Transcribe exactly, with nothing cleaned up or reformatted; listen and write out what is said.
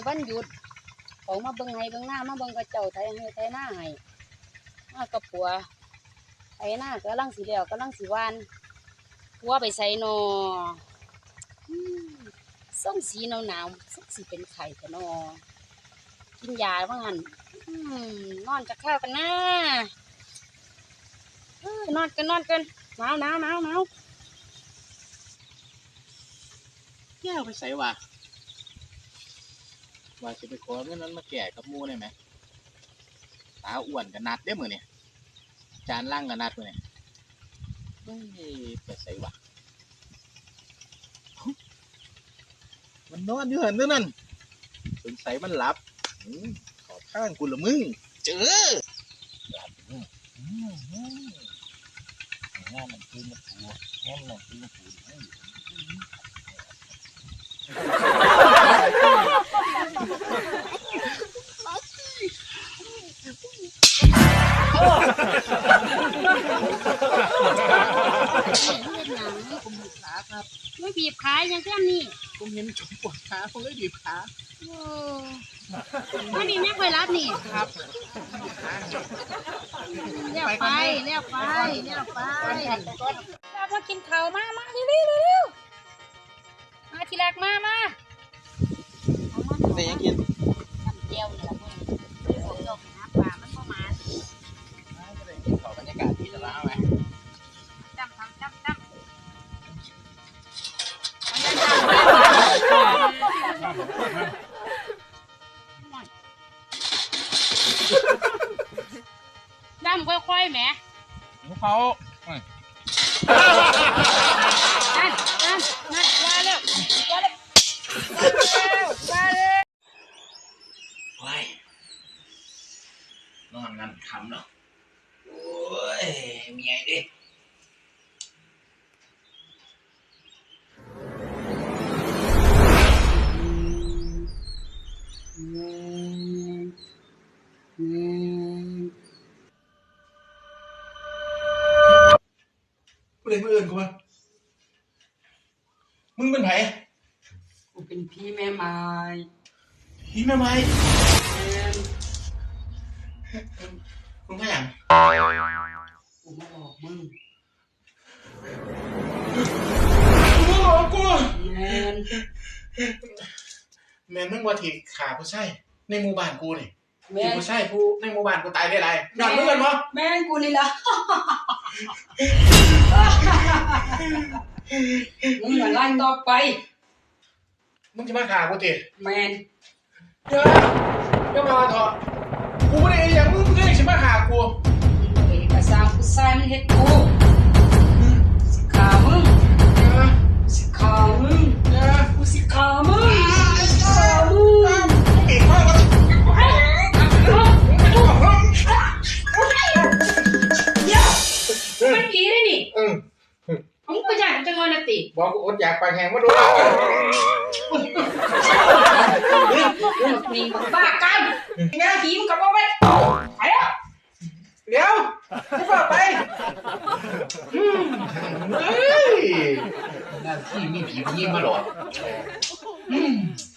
วันหยุดเขามาเบิ่งให้เบิ่งหน้ามาเบิ่งกระเจ้าไทยให้ไทยหน้าให้มากับผัวไทยหน้าก็ลังสีแล้วก็ลังสีวานผัวไปใส่นอส่งสีหนาวหนาวสักสีเป็นไข่กันนอกินยาบ้างหันนอนจะข้าวกันนะนอนกันนอนกันหนาวหนาวหนาวหนาวแก้วไปใส่ว่าว่าจะไปขอเงินนั้นมาแก่กับมูได้ไหมตาอ้วนกันนัดได้เหมือนเนี่ยจานล่างกันนัดเหมือนเนี่ยไม่ไปใส่ว่ามันนอนอยู่หันนั่นสงสัยมันหลับขอข้างกูละมึงเจอหลับงานมันคือมันผัวงานมันคือมันผัวไม่บีบขาอย่างเช่นนี้ผมเห็นชมปวดขาผมเลยบีบขาไม่มีแม่เคยรับนี่ครับเลี้ยวไปเลี้ยวไปเลี้ยวไปเรามากินข้าวมามาเร็วเร็วเร็วมาทีแรกมามาแต่ยังกินน้ำเจียวนี่แหละเพื่อนผมยกนะปลามันเข้ามาขอบรรยากาศที่จะล้าไหมจำทำจำจำดำค่อยๆแหมเขานั่นนั่นนั่นมาแล้วมาแล้วมาแล้วว้ายนอนกันคำเนาะโอ้ยมีไงดิกูเลยมาเอิญกูมามึงเป็นไผกูเป็นพี่แม่ไม้พี่แม่ไม้มึงพยังกูมาบอกมึงกูบอกกูแมนแมนมึงว่าที่ขาผู้ชายในหมู่บ้านกูนี่ที่ผู้ชายผู้ในหมู่บ้านกูตายได้ไรนอนมึงกันมั้งแมนกูนี่ละมึงอย่าไล่ต่อไปมึงจะมาขากูตีแมนเดี๋ยวเดี๋ยวมาเถอะกูไม่ได้อย่างมึงมึงก็จะมาขากูเอกสารผู้ชายมันเฮ็ดกูสิขามึงสิขามึงกูสิขามึงสิขามึงเก่งมากเลยมันดีเลยนี่ผมก็อยากจะงอนนะติบอกกูอดอยากไปแหงมาดูนี่บ้ากันงานผีมึงกับพ่อไปไปแล้วเดี๋ยวจะฝากไปเฮ้ยงานที่มีผียิงมาหรอ